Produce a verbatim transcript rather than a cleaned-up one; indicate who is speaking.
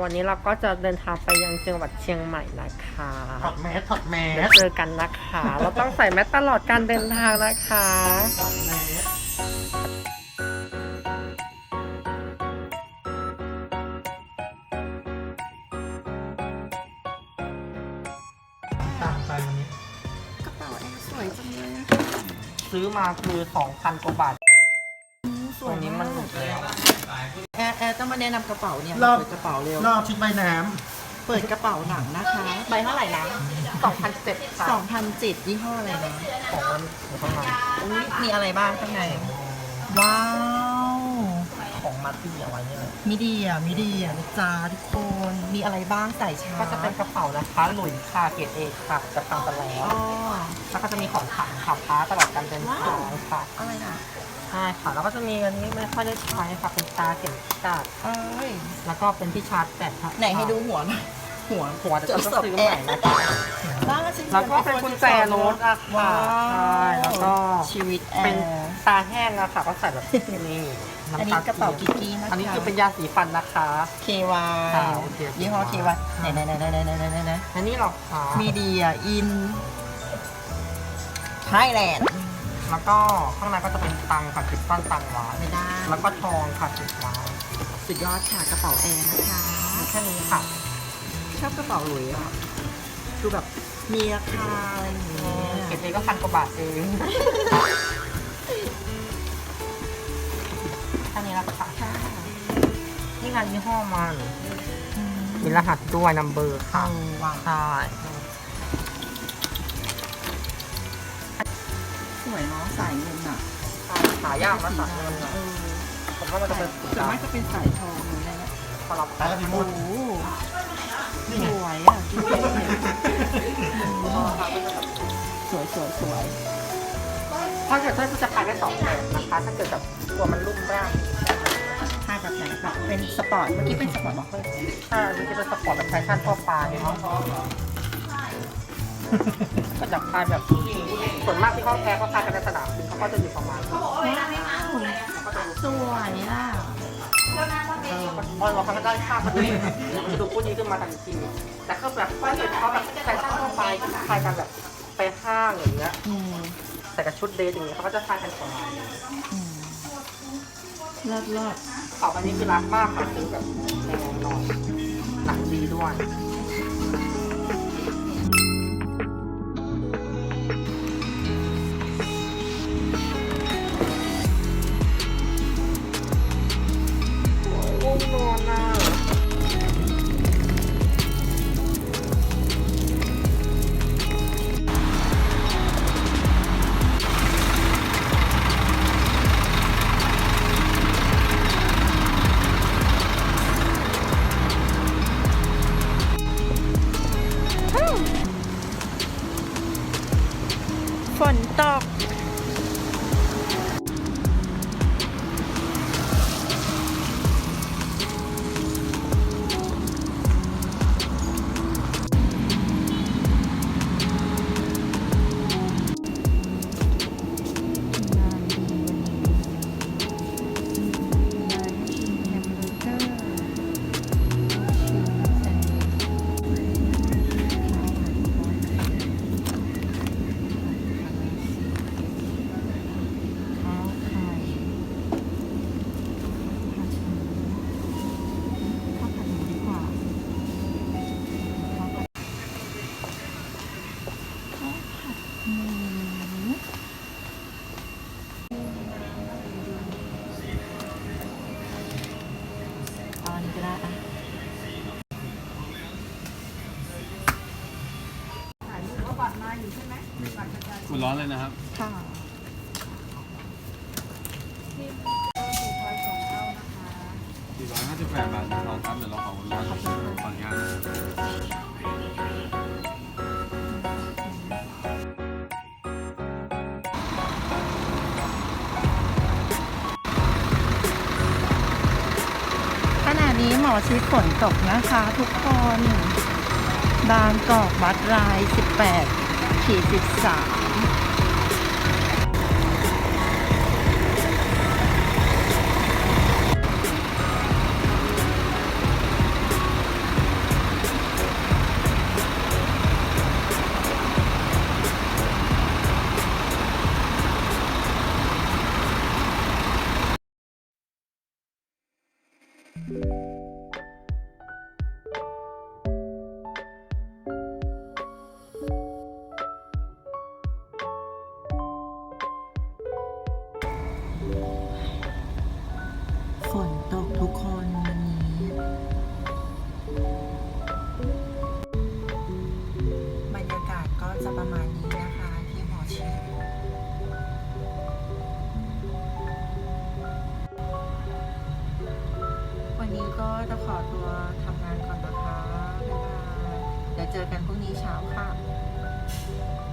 Speaker 1: วันนี้เราก็จะเดินทางไปยังจังหวัดเชียงใหม่นะคะ
Speaker 2: ถอดแมสถอดแมส
Speaker 1: เจอกันนะคะ เราต้องใส่แมสตลอดการเดินทางนะคะ
Speaker 2: ถอดแมสตามไปวันนี้
Speaker 3: กระเป๋าแอร์สวยจังเลยอะ
Speaker 1: ซื้อมาคือ สองพัน กว่าบาท
Speaker 3: ส
Speaker 1: ตัว วย นี้มันหลุดแล้ว
Speaker 3: แอร์แอร์ต้องมาแนะนำกระเป๋าเนี่ย
Speaker 2: รอบ
Speaker 3: เปิดกระเป๋าเร็ว
Speaker 2: รอบชุดใบน้
Speaker 3: เปิดกระเป๋าหนังนะคะใบเท่าไหร่นะ
Speaker 1: สองพันเจ็ด ค่ะ
Speaker 3: สองพันเจ็ดยี่ห้ออะไรนะ
Speaker 1: ของมันอยู่ข้างใน
Speaker 3: อุ๊ยมีอะไรบ้างข้างในว้าว
Speaker 1: ของมาตี้เอาไว้เนี่ยเลย
Speaker 3: มีดีอ่ะมีดีอ่ะนะจ๊ะทุกคนมีอะไรบ้างใส่ชา
Speaker 1: ก็จะเป็นกระเป๋านะคะหลุยส์ค่ะเกรดเอค่ะจะพังไปแล้ว
Speaker 3: อ๋อ
Speaker 1: แล้วก็จะมีของขังขับพ้าตลอดการเดินทางค่ะ
Speaker 3: อะไรนะ
Speaker 1: ใช่ค่ะ แล้วก็จะมีอันนี้ไม่ค่อยได้ใช้ค่ะเป็นตาเข็มกาด
Speaker 3: เอ้ย
Speaker 1: แล้วก็เป็นที่ชาร์จแบตค่ะ
Speaker 3: ไหนให้ดูหัวหน่อยหัว
Speaker 1: หัวจะต้องซื้อใหม่นะคะ
Speaker 3: บ้าจริง
Speaker 1: แล้วก็เป็นกุญแจรถอะค่ะ
Speaker 3: ว้าว
Speaker 1: ใช่แล้วก็
Speaker 3: ชีวิตแอ
Speaker 1: เป็น
Speaker 3: ร์
Speaker 1: ตาแห้งอะค่ะก็ใส่แบบนี่
Speaker 3: อันนี้กระเป๋ากิ๊กกี้นะคะ
Speaker 1: อันนี้คือเป็นยาสีฟันนะคะ
Speaker 3: เค วาย
Speaker 1: ค่ะโอเค
Speaker 3: ยี่ห้อ เค วาย ไหนไหนไหนไหนไหนไหนไหนไหน
Speaker 1: อันนี้หรอคะ
Speaker 3: มีเดียอินไทยแลนด์
Speaker 1: แล้วก็ข้างในก็จะเป็นตังค่ะสิบต้นตังหวาน
Speaker 3: ไม่ได้
Speaker 1: แล้วก็ทองค่ะสิบล้าน
Speaker 3: สุดยอดค่ะกระเป๋าแอร์นะคะ
Speaker 1: มีแค่นี้ค่ะ
Speaker 3: ชอบกระเป๋าหลุยส์อ่ะดูแบบมีราคาอะไรอย่างเงี้ย
Speaker 1: เก็บเองก็พันกว่าบาทเองแค่นี้แล้วค่ะ
Speaker 3: ค่ะ
Speaker 1: นี่งานยี่ห้อมัน
Speaker 3: อืม
Speaker 1: มีรหัสด้วยนัมเบอร์ค่ะ
Speaker 3: เอาว่ะ
Speaker 1: ใช่
Speaker 3: สวยเนาะสายเงินอ่ะ
Speaker 1: หายากนะสัตว์เงิน
Speaker 3: เออ
Speaker 1: ผมว่ามันจะเป็นสี
Speaker 3: ส่วน
Speaker 1: ดำ
Speaker 3: มากจะเป็นสายทองเลยนะ
Speaker 1: พอเรา
Speaker 2: ำตาละพิมุ
Speaker 3: โอ้
Speaker 2: ด
Speaker 3: โห
Speaker 2: นี่
Speaker 3: ส
Speaker 2: ไง
Speaker 3: วยอ่ะสวยสวยสวย
Speaker 1: ถ้าเกิดถ้าจะขายได้สองแบบนะคะ ถ้าเกิดแบบตัวมันลุ่มร่าง
Speaker 3: ผ้าแบบไหนแบบเป็นสปอร์ตเมื่อกี้เป็นสปอร์ตบอกเลย
Speaker 1: ถ้ามันจะเป็นสปอร์ตแบบแฟชั่นทั่วไปเนาะก็จะขายแบบส่วนมากที่เขาแพ้ก็ขายกันในสนามบินเขาก็จะอยู่ประมาณนี้
Speaker 3: ว้าวสวยอ่ะ
Speaker 1: เออพอเราเขาได้ค่ามันดูมันดูคู่นี้ขึ้นมาทันทีแต่ก็แบบถ้าเกิดเขาแบบแฟชั่นทั่วไปก็ขายกันแบบไปห้างอย่างเงี้ย
Speaker 3: อืม
Speaker 1: ใส่กับชุดเดทอย่างเงี้ยเขาก็จะขายกันประมาณนี้
Speaker 3: อืมเลิศเลิศ
Speaker 1: ต่อไปนี้คือรักมากค่ะซื้อแบบแพงหน่อยหนักดีด้วย ง่วงนอนอ่ะ
Speaker 3: ฝนตกตอนนี้ก็ได้อ่ะ
Speaker 4: คุณร้อนเลยนะครับ
Speaker 3: ค่ะ
Speaker 4: สี่ร้อยห้าสิบแปดบาทเราครับเดี๋ยวเราขอคุณร้อนขออนุญาตนะครับ
Speaker 3: ขณะนี้หมอชิดฝนตกนะคะทุกคน บางกอกบัตรราย สิบแปดขีดสิบสามวันนี้ก็จะขอตัวทำงานก่อนนะคะ บ๊ายบาย เดี๋ยวเจอกันพรุ่งนี้เช้าค่ะ